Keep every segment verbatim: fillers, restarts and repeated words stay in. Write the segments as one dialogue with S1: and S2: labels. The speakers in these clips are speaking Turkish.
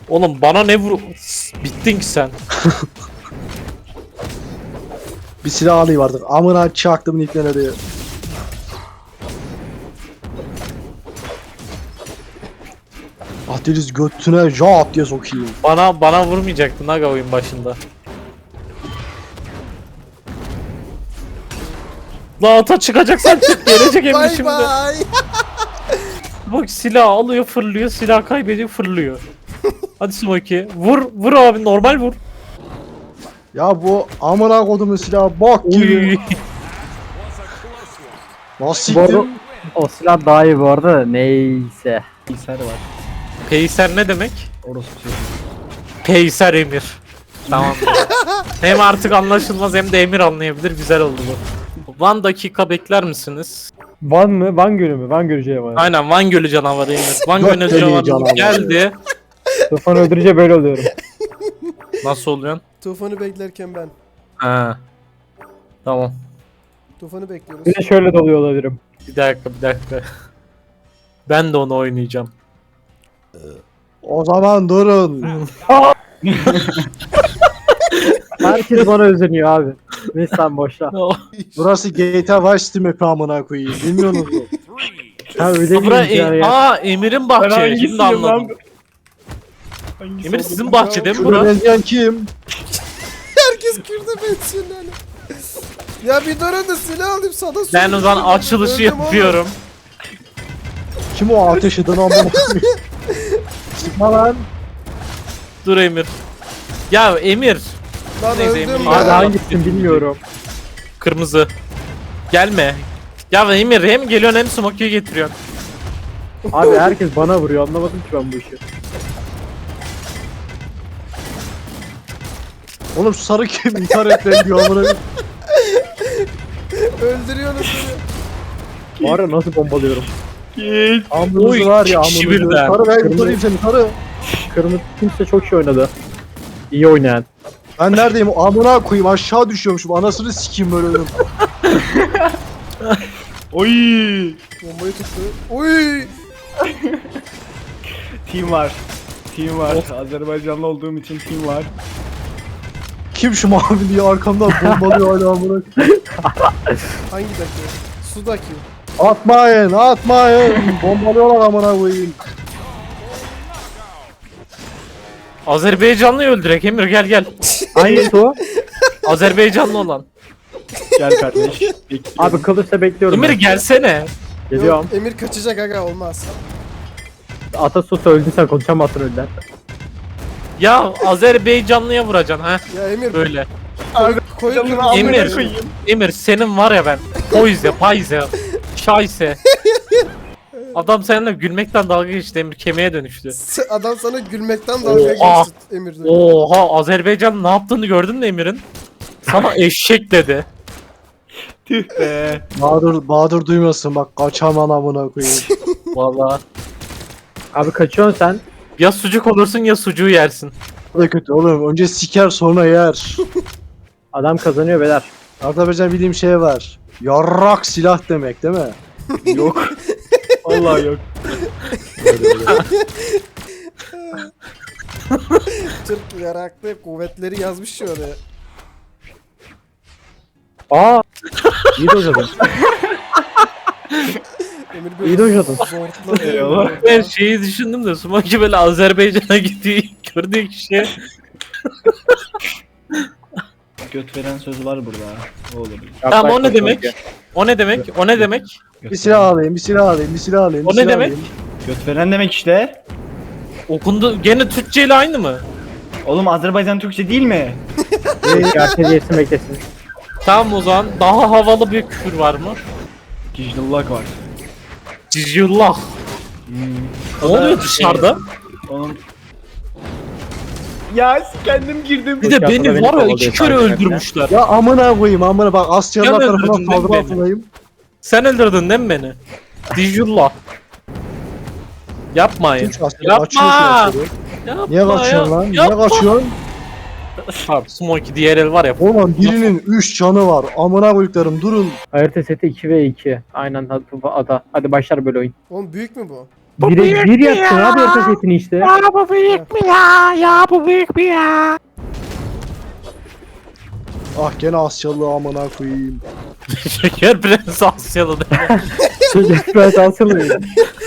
S1: Oğlum bana ne vur... Bittin ki sen.
S2: Bir silah alayım artık. Amına çaktım nicklerine diye. Ah deniz götüne jaat diye sokayım.
S1: Bana bana vurmayacaktın aga oyun başında. La ata çıkacaksan çık, gelecek Emir
S3: Bay
S1: şimdi.
S3: bay.
S1: Bak silah alıyor fırlıyor, silah kaybediyor fırlıyor. Hadi Smokey vur vur abi, normal vur.
S2: Ya bu amına kodumun silahı bok gibi.
S1: Uy.
S2: Nasıl
S4: Bu arada
S2: siktim?
S4: o silah daha iyi bu arada da neyse. Bilgisayar var.
S1: Peyser ne demek?
S4: Orası bir şey.
S1: Peyser Emir. Tamam. Hem artık anlaşılmaz hem de Emir anlayabilir, güzel oldu bu. Van dakika bekler misiniz?
S5: Van mı? Van Gölü mü? Van Gölü canavarı.
S1: Aynen Van Gölü canavarı Emir. Van
S2: Göt
S1: Gölü
S2: deliği
S1: canavarı
S2: canavarı.
S1: geldi.
S5: Tufanı öldürünce böyle oluyorum.
S1: Nasıl oluyorsun?
S3: Tufanı beklerken ben.
S1: Ha. Tamam.
S3: Tufanı bekliyoruz.
S5: Bir de şöyle doluyor olabilirim.
S1: Bir dakika bir dakika. Ben de onu oynayacağım.
S2: O zaman durun.
S4: Herkes bana özeniyor abi. Neyse sen boşla.
S2: Burası G T A Vice City map'i amına koyayım. Bilmiyorsunuz mu?
S4: Ha öyle
S1: Bura
S4: değil yani.
S1: e- Aa Emir'in bahçe. Şimdi anladım. Emir sizin bahçe değil mi
S2: Şurada
S1: bura?
S2: benzeyen kim?
S3: Herkes Kürt'e benziyor lan. Ya bir durun da silah alayım sana.
S1: Ben o zaman açılışı
S3: Öldüm oğlum.
S1: yapıyorum.
S2: Kim o ateş eden amına koyayım? Sıkma lan.
S1: Dur Emir. Ya Emir.
S3: Lan
S1: Neyse,
S3: öldüm
S1: Emir.
S3: ya.
S4: Abi hangisini bilmiyorum.
S1: Kırmızı. Gelme. Ya Emir hem geliyorsun hem Smokey'i getiriyorsun.
S4: Abi herkes bana vuruyor, anlamadım ki ben bu işi.
S2: Oğlum şu sarı kim? İntihar etmeyin diyor amına koyayım.
S3: Öldürüyorsunuz beni.
S4: Bu ara nasıl bombalıyorum?
S2: Amınızı
S1: Oy,
S2: var ya
S1: kişi
S2: amınızı.
S1: birden.
S2: Sarı ben kurtarayım seni sarı.
S4: Kırmızı kimse çok şey oynadı. İyi oynayan.
S2: Ben neredeyim? Amına koyayım aşağı düşüyormuşum. Anasını sikeyim böyle dedim.
S6: Oy!
S3: Bombayı tuttu. Uy.
S6: Team var. Team var. Azerbaycanlı olduğum için team var.
S2: Kim şu mavi diye arkamdan bombalıyor hala amına koyayım.
S3: Hangi daki? Sudaki.
S2: Atmayın atmayın. Bombalıyorlar amına koyayım.
S1: Azerbaycanlıyı öldürek Emir, gel gel.
S4: Hangisi o?
S1: Azerbaycanlı olan.
S6: Gel kardeş. Bekliyorum.
S4: Abi kılıçta bekliyorum.
S1: Emir
S4: ben.
S1: gelsene.
S4: Geliyorum.
S3: Yok, Emir kaçacak aga olmaz.
S4: Atasus öldüysen konuşamazsın önden.
S1: Ya Azerbaycanlıya vuracaksın ha.
S3: Ya Emir
S1: Böyle.
S3: koy
S6: Canını
S3: kırmızı.
S6: amına
S1: Emir.
S6: koyayım.
S1: Emir senin var ya ben. Poyze, payze, şayse. Adam seninle gülmekten dalga geçti Emir, kemiğe dönüştü.
S3: Adam sana gülmekten dalga
S1: Oha.
S3: geçti Emir.
S1: Oha, Azerbaycan ne yaptığını gördün mü Emir'in? Sana eşek dedi.
S6: Tüh be.
S2: Bahadır, Bahadır duymasın bak kaçaman amına koyayım.
S1: Vallahi.
S4: Abi kaçıyorsun sen.
S1: Ya sucuk olursun ya sucuğu yersin.
S2: Bu da kötü oğlum. Önce siker sonra yer.
S4: Adam kazanıyor beyler.
S2: Azerbaycan bildiğim şey var. Yarrak silah demek değil mi?
S6: Yok. Vallahi yok.
S3: Türk yaraklı kuvvetleri yazmış şu oraya.
S4: Aa! İyi dojladın.
S3: Emir
S4: İyi dojladın.
S3: zortladı.
S6: Eyvallah.
S1: Ben şeyi düşündüm de Smokey böyle Azerbaycan'a gittiği gördüğü kişi.
S6: Göt veren söz var burada. O olabilir.
S1: Tamam o ne demek? O ne demek? O ne demek?
S6: Göt
S2: Bir silah
S6: veren.
S2: alayım, bir silah alayım, bir silah alayım.
S1: O
S2: bir
S1: ne
S2: silah
S1: demek?
S2: alayım.
S6: Göt veren demek işte.
S1: Okundu gene Türkçe ile aynı mı?
S6: Oğlum Azerbaycan Türkçe değil mi?
S4: Herkes yesin beklesin.
S1: Tamam o zaman daha havalı bir küfür var mı?
S6: Gicdillak var.
S1: Cicillah.
S6: Hmm.
S1: Ne
S6: O da
S1: oluyor dışarıda?
S6: Onun... Ya kendim girdim.
S1: Bir de
S4: Dışarıda
S1: beni
S4: beni
S1: var ya
S4: kovalıyor
S1: iki kere
S4: sanki.
S1: öldürmüşler.
S2: Ya amına koyayım amına bak Asyalılar
S1: Sen
S2: tarafından
S1: öldürdün değil mi
S2: saldırı
S1: beni?
S2: altındayım.
S1: Sen öldürdün değil mi beni? Cicillah. Yapmayın.
S2: Üç Asyalı
S1: Yapma!
S2: açıyorsun Asyalı.
S1: Yapma
S2: Niye kaçıyorsun
S1: ya.
S2: lan? Niye
S1: Yapma.
S2: kaçıyorsun?
S1: Abi Smokey diğer el var ya.
S2: Oğlum birinin üç canı var. Amına koyduklarım durun.
S4: Harita seti iki ve iki. Aynen hadi ada. Hadi başlar böyle oyun.
S3: Oğlum büyük mü bu?
S1: Bu
S5: Bire
S1: büyük
S5: bir
S1: mü
S5: yaptın
S1: ya?
S5: abi orta setini işte.
S1: Ya bu büyük mü ya? Ya bu büyük mü ya?
S2: Ah gene Asyalı amına koyayım.
S1: Şeker Prens Asyalı değil mi?
S5: Çocuk ben salsın.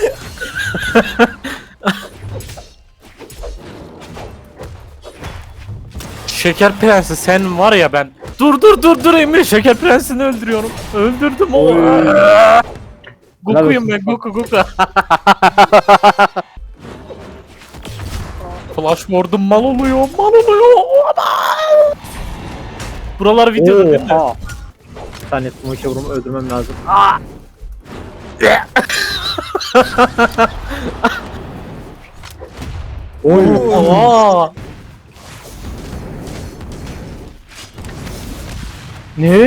S1: Şeker Prensi sen var ya ben. Dur dur dur dur Emir, Şeker Prensi'ni öldürüyorum. Öldürdüm o. Goku'yum ben, Goku Goku. Flash Ward'um mal oluyor, mal oluyor. Aman! Buralar videoda değil mi?
S5: Oha. Bir tane smoke vurumu öldürmem lazım. Oy.
S1: Aa!
S5: Ne?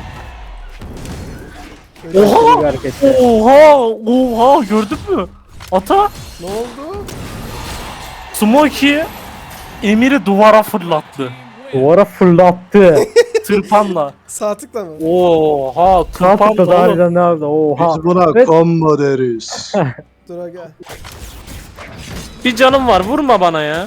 S1: Oha!
S5: Bir hareket.
S1: Oha! Oha! Gördün mü? Ata
S3: Ne oldu?
S1: Smokey Emir'i duvara fırlattı.
S5: Duvara fırlattı.
S1: Tırpanla.
S3: Sağ tıkla mı?
S1: Oha!
S5: Kalkıp da
S1: Tırpanla oğlum.
S5: harbiden ne yaptı? Oha.
S2: Biz buna
S5: Evet.
S2: combo deriz.
S3: Dur aga.
S1: Bir canım var, vurma bana ya.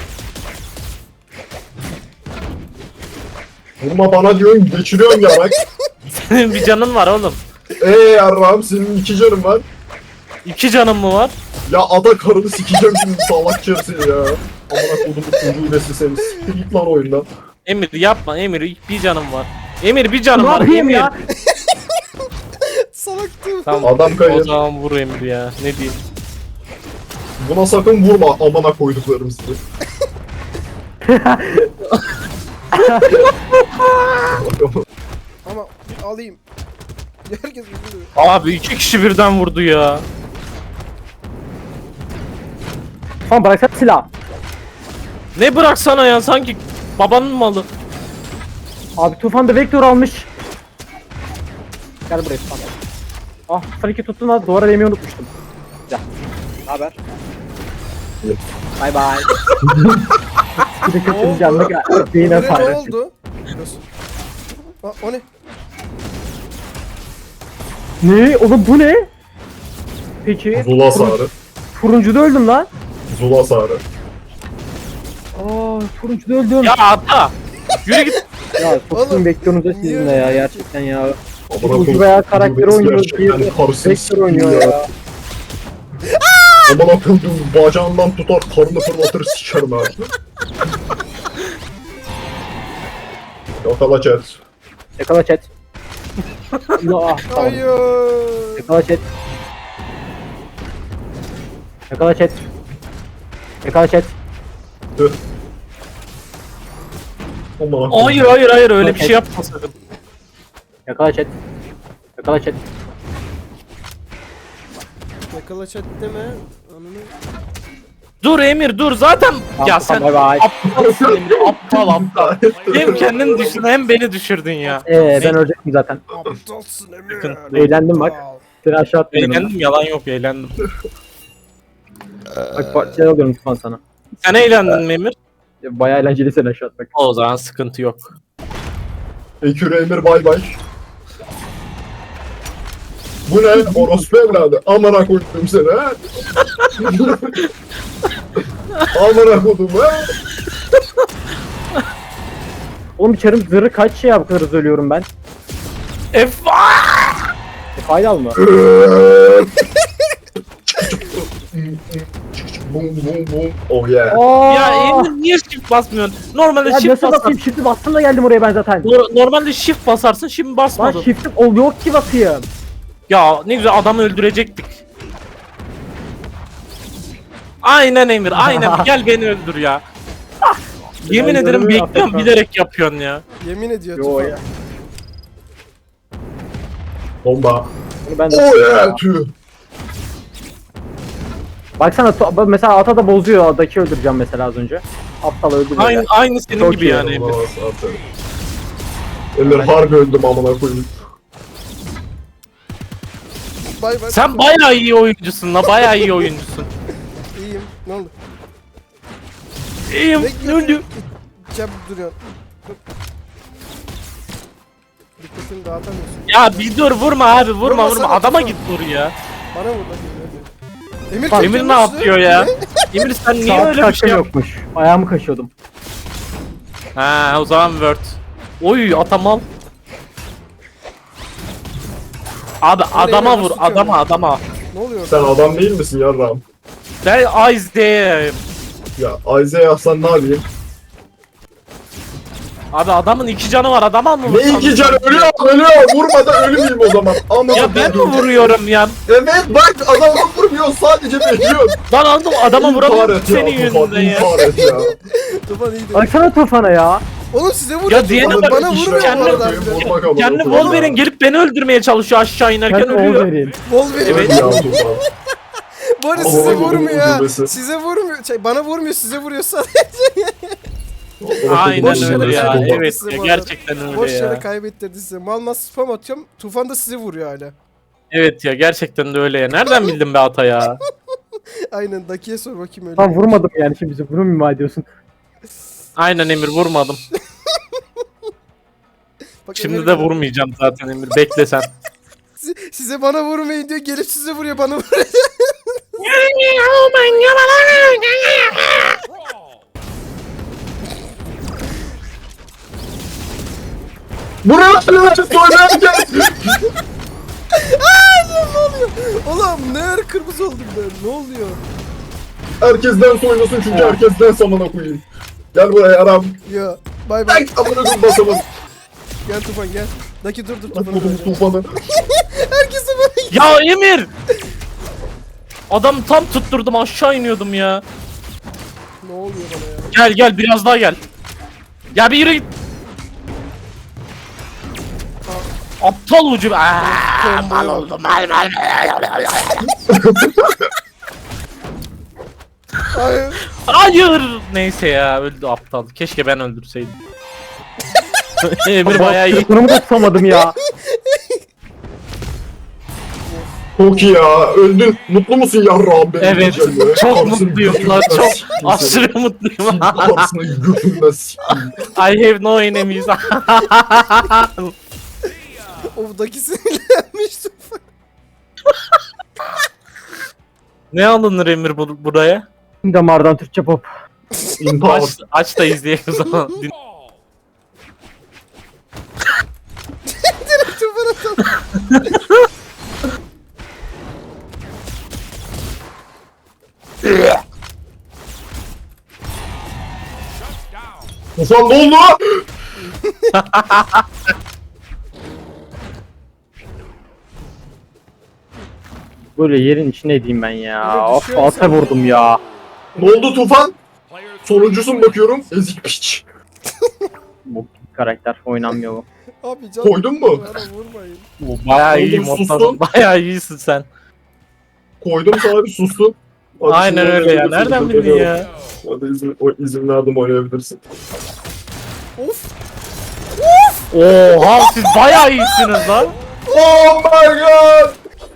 S7: Vurma bana diyorsun, geçiriyorsun ya bak.
S1: Senin bir canın var oğlum.
S7: Eee yarrağım senin iki canın var.
S1: İki canım mı var?
S7: Ya ada karını sikeceğim şimdi salak çersin ya. Amına kodumun çocuğu nesi seni siktir git lan oyundan.
S1: Emir yapma Emir, bir canım var. Emir bir canım
S5: Ne
S1: var.
S5: yapayım
S1: Emir.
S5: ya?
S3: Salaktım.
S1: Tamam.
S7: Adam
S1: O
S7: kayır.
S1: zaman vur Emir ya. Ne diyeyim?
S7: Buna sakın vurma amına koyduklarım sizi.
S3: Ama alayım. Herkes birbirine.
S1: Abi iki kişi birden vurdu ya.
S5: Tamam bıraksana silah.
S1: Ne bıraksana ya, sanki babanın malı.
S5: Abi Tufan da vektör almış. Gel buraya Tufan. Ah sen iki tuttun ha duvara değmeyi unutmuştum. Güzel. Ne haber? Bye bye. Bir de kötünün canına gel. Beyine
S3: Emre ne
S5: paylaşın.
S3: oldu? Aa, o ne?
S5: Ne? Oğlum bu ne? Peki.
S7: Zula sarı.
S5: Turuncuda öldüm lan.
S7: Zula sarı.
S5: Aa turuncuda öldüm.
S1: Ya ata. Yürü git.
S5: Ya soktum
S3: Oğlum,
S5: bekliyorsunuz da
S3: niye
S5: sizinle ya
S3: öyle
S5: gerçekten ya.
S7: Amına
S5: Ucu
S7: koydum.
S5: veya karakteri
S7: Biz
S5: oynuyoruz
S7: gerçekten
S5: diye
S7: karısını
S5: vektör
S7: sikeyim
S5: oynuyor ya.
S7: Amına koydum bacağından tutar karnını fırlatır sikerim ha. Yakala chat.
S5: Yakala chat. Ya, ah, tamam.
S3: Hayır.
S5: Yakala chat. Yakala chat. Yakala chat.
S7: Tüh. Amına koydum.
S1: Hayır hayır hayır, öyle bir şey yapma sakın.
S5: Yakala chat. Yakala chat.
S3: Yakala chat deme. Ananı.
S1: Dur Emir dur zaten. Ya
S5: Tamam,
S1: sen
S5: bye bye.
S1: aptalsın Emir, aptal aptal. Hem kendini düşürdün hem beni düşürdün ya.
S5: Ee ben ölecektim zaten.
S3: Aptalsın Emre.
S1: Sıkıntı
S5: değil. Eğlendim bak. Seni aşağı atmıyorum.
S1: Eğlendim, yalan yok, eğlendim.
S5: Bak parçalar alıyorum Tufan sana.
S1: Sen eğlendin mi Emir?
S5: Bayağı eğlenceli seni aşağı atmak.
S1: O zaman sıkıntı yok.
S7: Ekür Emir bay bay. Bu ne? Orospu evladı. Amına koydum seni ha. Amına koydum ha.
S5: Oğlum içerim zırhı kaç şey ya bu kadar hızlı ölüyorum ben.
S1: F
S5: E, faydalı mı?
S7: Bum bum bum. Oh yeah.
S5: Aa!
S1: Ya Emir niye shift basmıyorsun? Normalde
S5: Ya
S1: shift
S5: nasıl
S1: basar.
S5: basayım? Shift'i bastım da geldim oraya ben zaten.
S1: Nor- Normalde shift basarsın, şimdi
S5: Lan
S1: basmadın.
S5: shift'im ol yok ki basayım.
S1: Ya ne güzel adamı öldürecektik. Aynen Emir, aynen. Gel beni öldür ya. Ah, yemin
S5: Ben
S1: ederim
S5: göremiyorum
S1: bekliyorum,
S5: Afrika.
S1: bilerek yapıyorsun ya.
S3: Yemin ediyor
S5: Yo
S3: Tufan.
S5: ya.
S7: Bomba.
S5: Bunu ben de
S7: Oh yeah. Tüh.
S5: Baksana to- mesela ata da bozuyor. Adaki öldüreceğim mesela az önce. Aptal öldürüyor.
S1: Aynı,
S5: ya.
S1: aynı senin
S5: Çok
S1: gibi
S5: iyi
S1: yani Emir.
S7: Allah'a aferin. Emir harbi öldüm amına koyayım.
S3: Bay bay.
S1: Sen bayağı iyi oyuncusun la, bayağı iyi oyuncusun.
S3: İyiyim. Ne oldu?
S1: İyiyim,
S3: Bekle.
S1: öldü.
S3: Cem duruyor. Dur. Dikkatini dağıtamıyorsun.
S1: Ya bir dur, vurma abi, vurma
S3: Vurma
S1: vurma.
S3: sana,
S1: Adama
S3: vurma.
S1: git vur ya.
S3: Bana vur bakayım hadi. Emir,
S1: Emir
S3: kötü
S1: ne
S3: olmuştu.
S1: yapıyor ya? Emir sen niye
S5: Saat
S1: öyle bir şey
S5: kaçta
S1: yap?
S5: yokmuş. Ayağımı kaşıyordum.
S1: Ha o zaman Word. Oy atamal. Abi adama
S3: Emir,
S1: vur
S3: nasıl
S1: adama
S3: tutuyor?
S1: adama.
S3: Ne oluyor?
S7: Sen adam değil misin yarrağım?
S1: Ben Ice'deyim.
S7: Ya Isaiah sen ne yapayım?
S1: Abi adamın iki canı var adama mı
S7: Ne
S1: vursam?
S7: iki can ölüyor ölüyor vurmadan ölmeyeyim o zaman. Ama
S1: Ya ben mi vuruyorum ya?
S7: Evet bak adama vurmuyor sadece bekliyor.
S1: Lan aldım adama
S7: İntihar
S1: vuramıyorum
S7: et ya,
S1: senin
S7: Tufan,
S1: yüzünden ya.
S7: intihar et ya.
S3: Tufan iyiydi.
S5: Baksana Tufan'a ya.
S3: Oğlum size vuruyor.
S1: Ya diğerine
S3: Tufan,
S1: bak,
S3: bana
S7: İşte
S3: vurmuyor bu
S1: kendi-
S3: arada.
S7: bakayım, vurmak ama
S1: Kendi
S7: Tufan
S1: Wolverine
S7: ya.
S1: gelip beni öldürmeye çalışıyor aşağı inerken
S5: Sen
S1: ölüyor.
S5: Wolverine.
S3: Wolverine.
S1: Evet.
S7: Ya Tufan.
S3: Bu arada
S7: Ama
S3: size
S7: Wolverine
S3: vurmuyor ha.
S7: öldürmesi.
S3: Size vurmuyor. Şey, bana vurmuyor size vuruyor sadece.
S1: Aynen
S3: Boş
S1: öyle
S3: yere
S1: ya.
S3: kaybetti
S1: Evet
S3: size
S1: ya,
S3: bu arada.
S1: gerçekten öyle
S3: Boş yere
S1: ya.
S3: kaybettirdi size. Mal nasıl spam atıyorum. Tufan da sizi vuruyor hala.
S1: Evet ya gerçekten de öyle ya. Nereden bildin be ata ya?
S3: Aynen Daki'ye sor bakayım öyle.
S5: Lan vurmadım yani şimdi bizi bunu mu ima ediyorsun?
S1: Aynen Emir vurmadım.
S3: Bak,
S1: Şimdi
S3: Emir
S1: de
S3: geldi.
S1: vurmayacağım zaten Emir. Bekle sen.
S3: Si- Size bana vurmayın diyor. Gelip size vuruyor bana vuruyor.
S7: Buraya söylerken.
S3: Oğlum ne ara kırmızı oldum ben. Ne oluyor?
S7: Herkesten soyunasın çünkü herkesten samana koyayım. Gel buraya aram.
S3: Ya bay bay.
S7: Ay amına koyayım basamadım.
S3: Gel Tufan gel. Daki dur dur
S7: Bak
S3: Tufan.
S7: kodum tufanı.
S3: Herkese bana.
S1: Ya Emir! Adam tam tutturdum aşağı iniyordum ya.
S3: Ne oluyor bana ya?
S1: Gel gel biraz daha gel. Ya bir yürü git. Aptal ucu. Aa, mal oldum. Mal mal.
S3: Hayır.
S1: Hayır. Neyse ya öldü aptal. Keşke ben öldürseydim. Emir bayağı iyi.
S5: Bunu da tutamadım ya.
S7: Çok iyi ya. Öldün. Mutlu musun yarrağım benim?
S1: Evet.
S7: diyeceğim ya.
S1: Çok
S7: Karısını
S1: mutluyum lan.
S7: götünden
S1: Çok
S7: sikeyim seni.
S1: aşırı mutluyum.
S7: Karısını götünden sikeyim.
S1: I have no enemies.
S3: O Daki sinirlenmiş Tufan.
S1: Ne alınır Emir bu, buraya?
S5: Damardan Türkçe pop.
S7: İntihar.
S1: Aç, aç da izleyelim o zaman. Din-
S3: Tufan atalım.
S7: Tufan ne oldu?
S5: Böyle yerin içine edeyim ben ya.
S3: Öyle
S5: Of
S3: düşüyor
S5: ata
S3: insan
S5: vurdum ya.
S7: Ne oldu Tufan? Sonuncusun bakıyorum. Ezik piç.
S5: Bu karakter oynanmıyor bu.
S3: Abi can.
S7: Koydun mu?
S3: Bana vurmayın.
S1: Bu bayağı iyi
S7: Oğlum,
S1: modda.
S7: sustun.
S1: Bayağı iyisin sen.
S7: Koydum sana bir sustun. Hadi
S1: Aynen
S7: şimdi
S1: öyle ya.
S7: oynayabilirsin.
S1: Nereden
S7: Dur,
S1: bildin
S7: dur,
S1: ya?
S7: Hadi izin, o, izin verdim oynayabilirsin.
S3: Of.
S1: Oha siz bayağı iyisiniz lan.
S7: Oh my god!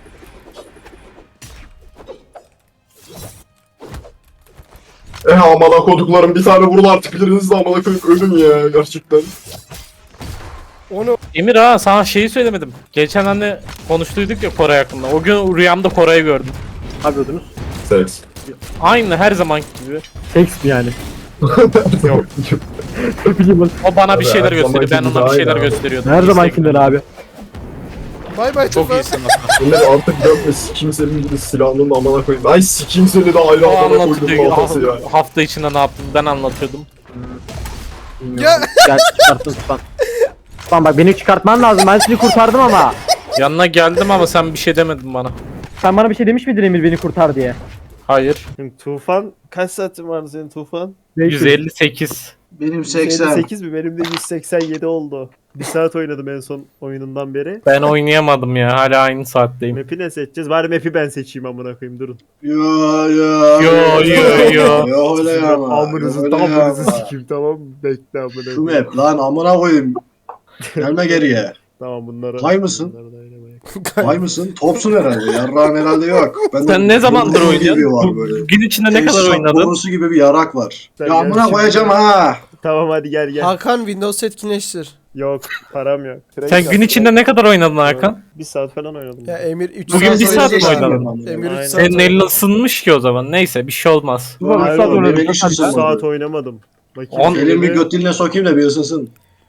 S7: Eh amına koduklarım bir tane vurun artık biriniz de amına koyup ölün ya gerçekten.
S3: Onu
S1: Emir ha sana şeyi söylemedim. Geçen hani konuştuyduk ya Koray hakkında. O gün rüyamda Koray'ı gördüm.
S5: Ne yapıyordunuz?
S7: Seks.
S1: Aynı her zaman gibi.
S5: Seks mi yani?
S7: Yok.
S5: Ne bileyim ben.
S1: O bana bir
S7: Abi,
S1: şeyler
S7: her
S1: gösteriyor. Ben
S7: zamanki
S1: ona bir
S7: gibi
S1: şeyler
S7: aynı abi.
S1: gösteriyordum.
S5: Her
S1: İşte
S5: zamankinden abi.
S3: bay bay
S1: Çok
S3: Tufan.
S1: iyisin aslında.
S7: Bunları artık dönme sikeyim senin gibi silahının da amına koyayım. Ay sikeyim seni de ayrı
S1: O
S7: amına
S1: anlatıyordu.
S7: koydum muhabbeti ya.
S1: Ha- Hafta içinde ne yaptım ben anlatıyordum.
S3: Ya
S5: Gel çıkarttın Tufan. Tufan bak beni çıkartman lazım. Ben seni kurtardım ama.
S1: Yanına geldim ama sen bir şey demedin bana.
S5: Sen bana bir şey demiş miydin Emir beni kurtar diye?
S1: Hayır.
S6: Şimdi Tufan kaç saatin vardı senin Tufan?
S1: yüz elli sekiz.
S8: Benim seksen.
S6: sekiz mi? Benim de yüz seksen yedi oldu. Bir saat oynadım en son oyunundan beri.
S1: Ben oynayamadım ya. Hala aynı saatteyim.
S6: Map'i ne seçeceğiz? Bari map'i ben seçeyim amına koyayım durun.
S8: Yo yo.
S1: Yo, yo, yo.
S8: Yo öyle yapma.
S6: Amınızı
S8: Yo, öyle
S6: tamamınızı
S8: yapma.
S6: sikeyim tamam mı? Bekle amına
S8: Şu
S6: koyayım.
S8: map lan amına koyayım. Gelme geriye.
S6: Tamam bunları.
S8: Hay mısın?
S6: bunları da oynamayalım.
S8: Vay mısın? Topsun herhalde. Yarrağın herhalde yok. Ben
S1: Sen ne zamandır
S8: boru gibi
S1: oynuyorsun?
S8: var
S1: Bu-
S8: böyle.
S1: Gün içinde ne kadar
S8: Eşek
S1: oynadın?
S8: borusu gibi bir yarak var.
S6: Sen
S8: Ya
S6: gel
S8: amına
S6: şimdi.
S8: koyacağım ha.
S6: Tamam hadi gel gel.
S3: Hakan Windows etkinleştir.
S6: Yok param yok.
S1: Sen gün içinde ne kadar oynadın Hakan?
S6: Bir saat falan oynadım.
S3: Ya Emir üç
S1: Bugün
S3: saat
S1: bir saat mi
S3: oynadı.
S1: oynadın?
S3: Emir üç
S6: Aynen.
S3: saat
S1: Senin
S3: oynadı.
S1: elin ısınmış ki o zaman. Neyse bir şey olmaz.
S4: Tufan
S6: Hayır
S4: üç saat
S6: oğlum,
S4: oynadı.
S8: benim hiç
S6: Bir
S8: ısınmadı.
S6: saat oynamadım. Bakayım.
S1: On-
S8: Elimi bir
S6: şöyle.
S8: göt diline sokayım da bir ısınsın.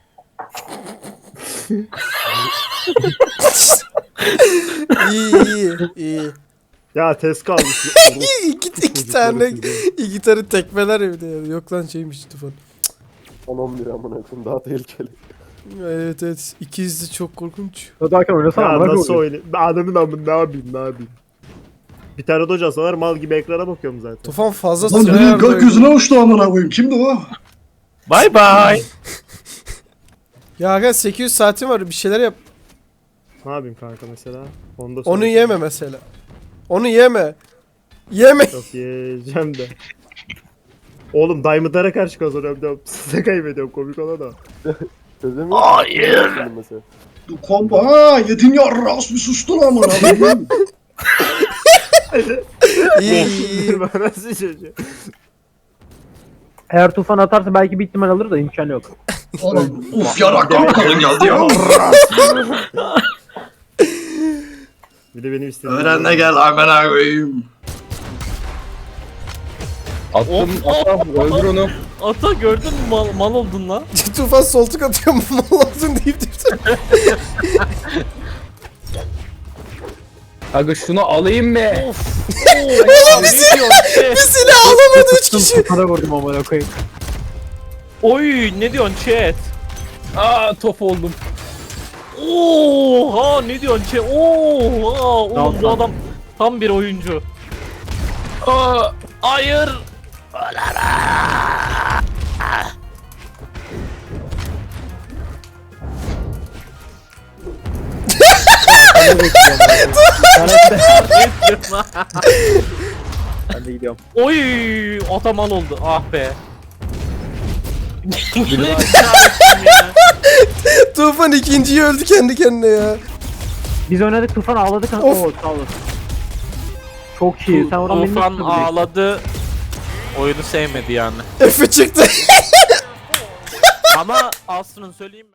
S3: İyi iyi iyi.
S6: Ya test kalmış.
S3: iki, iki tane iki tane tekmeler evde ya. Yok lan şeymiş Tufan.
S2: on on bir amına koyayım daha tehlikeli.
S3: Evet evet. İkizli çok korkunç.
S4: Hadi Hakan oynasana.
S6: Ya
S4: bırak
S6: nasıl
S4: oyunu.
S6: oynayayım? Adamın amın ne yapayım ne yapayım. Bir tane de hocası var mal gibi ekrana bakıyorum zaten.
S3: Tufan fazla
S8: Lan
S3: süre
S8: biri
S3: harcıyor.
S8: gökyüzüne uçtu amına koyayım. Kimdi o?
S1: Bye bye.
S3: Ya Hakan sekiz yüz saatin var bir şeyler yap.
S6: Ne yapayım kanka mesela? Onu, da
S3: Onu
S6: söyle.
S3: yeme mesela. Onu yeme. Yeme.
S6: Yok yiyeceğim de. Oğlum Diamond'lara karşı kazanıyorum diyorum. Size kaybediyorum komik olan o.
S2: Çözemiyor
S1: Hayır.
S2: mesela.
S8: Du kompa ha yedin ya ras bir sustun amına koyayım.
S3: İyi iyi.
S6: Ben nasıl çocuğum?
S4: Eğer Tufan atarsa belki bir ihtimal alır da imkanı yok.
S8: Oğlum uf yarak kalın geldi ya.
S6: Bir de benim istediğim.
S8: Öğren de gel amına koyayım.
S1: Attım, attım, öldür onu. Ata gördün mü mal, mal oldun lan.
S3: Tufan soltuk atıyor mal olsun deyip deyip.
S9: Aga şunu alayım mı?
S1: Of. Oo, bir silah,
S3: Bir silah alamadı üç kişi.
S4: Tufan'a vurdum amına koyayım.
S1: Oy ne diyorsun chat?
S9: Aa top oldum.
S1: Oha ne diyorsun chat? Oha oğlum
S4: Tamam,
S1: bu
S4: tamam.
S1: adam tam bir oyuncu.
S9: Aa,
S1: Hayır.
S4: Ben de gidiyorum.
S1: Oy ata mal oldu ah be.
S3: Tufan ikinciyi öldü kendi kendine ya.
S4: Biz oynadık Tufan ağladık.
S3: Of.
S4: Oo sağ olasın. Çok iyi. Sen oradan beni
S1: Tufan
S4: nasıl tutabileceksin?
S1: ağladı. Oyunu sevmedi yani.
S3: Efe çıktı.
S1: Ama aslında söyleyeyim